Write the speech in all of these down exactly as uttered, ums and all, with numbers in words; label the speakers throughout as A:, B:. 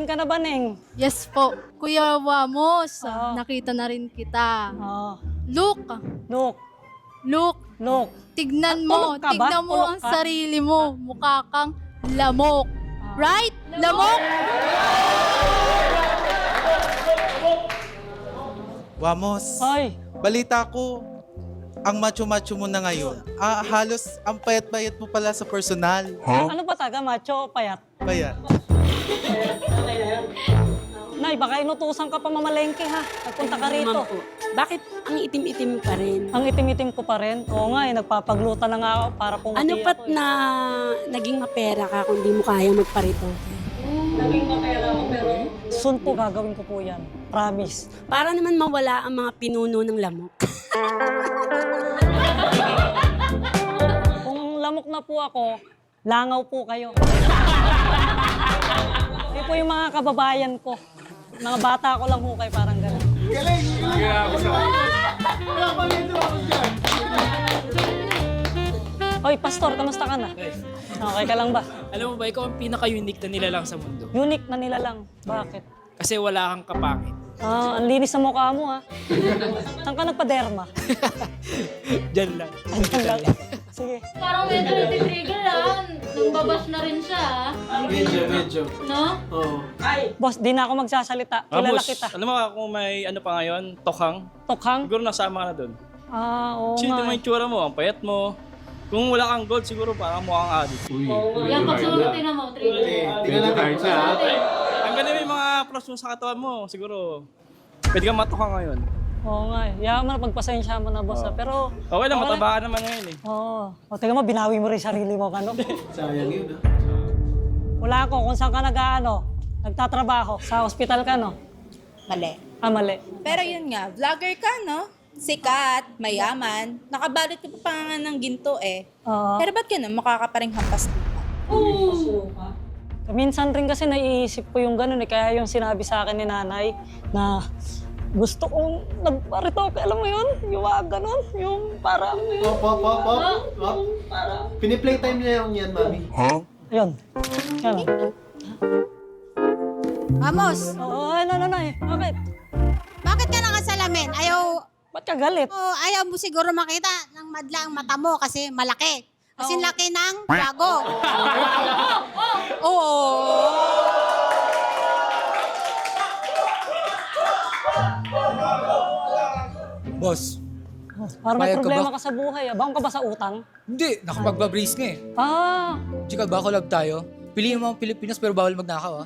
A: ka na ba, Neng?
B: Yes po. Kuya Wamos,
A: Oo.
B: nakita na rin kita.
A: Oo.
B: Look,
A: Look,
B: look,
A: look.
B: tignan
A: Ah,
B: mo,
A: tulog ka ba?
B: tignan mo
A: Tulog
B: ang
A: ka?
B: sarili mo. Mukha kang lamok.
A: Ah.
B: Right? Lamok?
C: Wamos,
A: Ay,
C: balita ko, ang macho-macho mo na ngayon. Ah, halos ang payat-payat mo pala sa personal.
A: ano ba taga, macho o payat?
C: Payat.
A: Nay, baka inutusan ka pa mamalengke ha. Nagpunta ka rito.
D: Ma'am po, bakit ang itim-itim pa rin?
A: Ang itim-itim ko pa rin. Oo nga eh, nagpapagluta na nga ako para pumuti
D: Ano pat
A: ako eh.
D: na naging mapera ka kung di mo kaya magparito?
A: Naging mapera ako pero soon po gagawin ko po yan. Promise.
D: Para naman mawala ang mga pinuno ng lamok.
A: Kung lamok na po ako, langaw po kayo. Hindi po yung mga kababayan ko. Mga bata ko lang ho kayo, parang gano'n. Hoy, Pastor, kamusta ka na? Okay ka lang ba?
E: Alam mo ba, ikaw ang pinaka-unique na nilalang sa mundo.
A: Unique na nila lang. Bakit?
E: Kasi wala kang kapangit.
A: Ah, ang linis ng mukha mo ha. Saan ka nagpa-derma?
E: Diyan lang.
A: Andiyan lang. Sige.
F: Parang medyo natitrigger ah. Nagbabash na rin siya ah.
E: Medyo, medyo.
F: No?
E: Oo.
A: Boss, di na ako magsasalita. Kilala kita.
E: Alam mo kung may ano pa ngayon, tokhang,
A: Tokhang?
E: siguro nasama ka na doon.
A: Ah, oo
E: Kasi
A: nga.
E: mo yung tsura mo, ang payat mo. Kung wala kang gold, siguro parang mukhang addict.
F: Yan, pag sumunod na mo, trigger.
G: Tingnan natin siya.
E: Ang ganda yung mga plus mo sa katawan mo, siguro pwede kang matokhang ngayon.
A: Oo nga eh. Yaman mo na, pagpasensya mo na, boss. ah. Pero,
E: Okay lang, mataba ka naman ngayon eh.
A: oo. O, tingnan mo, binawi mo rin sarili mo. Ano?
G: Sayang yun, ah.
A: Wala ako kung saan ka nag-ano, nagtatrabaho. Sa hospital ka, no?
H: Mali.
A: Ah, mali.
H: Pero yun nga, vlogger ka, no? Sikat, mayaman. Nakabalot ka pa nga ng ginto eh.
A: Oo.
H: Pero ba't ganun? Mukha ka pa rin hampas lupa.
A: Minsan rin kasi naiisip ko yung gano'n eh. Kaya yung sinabi sa akin ni nanay na gusto kong nagparito. Alam mo yun? Yung mga gano'n. Yung parang...
G: Pop, pop, pop, pop. Pop. Piniplaytime niya yung yan, mami.
A: Ayun. Yan.
I: Vamos,
A: Oo, ano, ano, ano eh. Bakit?
I: bakit ka nakasalamin? Ayaw,
A: Ba't ka galit?
I: oh, ayaw mo siguro makita ng madla ang mata mo kasi malaki. Kasi
A: Oo.
I: laki ng bago. Oo.
J: Boss,
A: Parang may
J: Bayad ka
A: problema
J: ba?
A: ka sa buhay. Ah. Baon ka ba sa utang?
J: hindi. Nakapagbabrace nga eh.
A: Ah,
J: Chika, bako lang tayo. Piliin mo ang Pilipinas pero bawal magnakaw ah.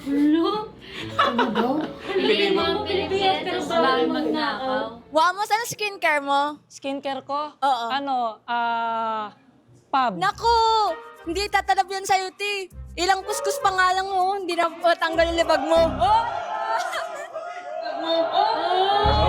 F: Piliin mo ang Pilipinas, pero bawal magnakaw.
H: Wamos, ano skincare mo?
A: skincare ko?
H: Oo.
A: Ano, ah, pub.
H: Naku! Hindi tatalab yan sa'yo, ti. Ilang kuskus pa nga lang mo, hindi na tanggal yung libag mo. Oh!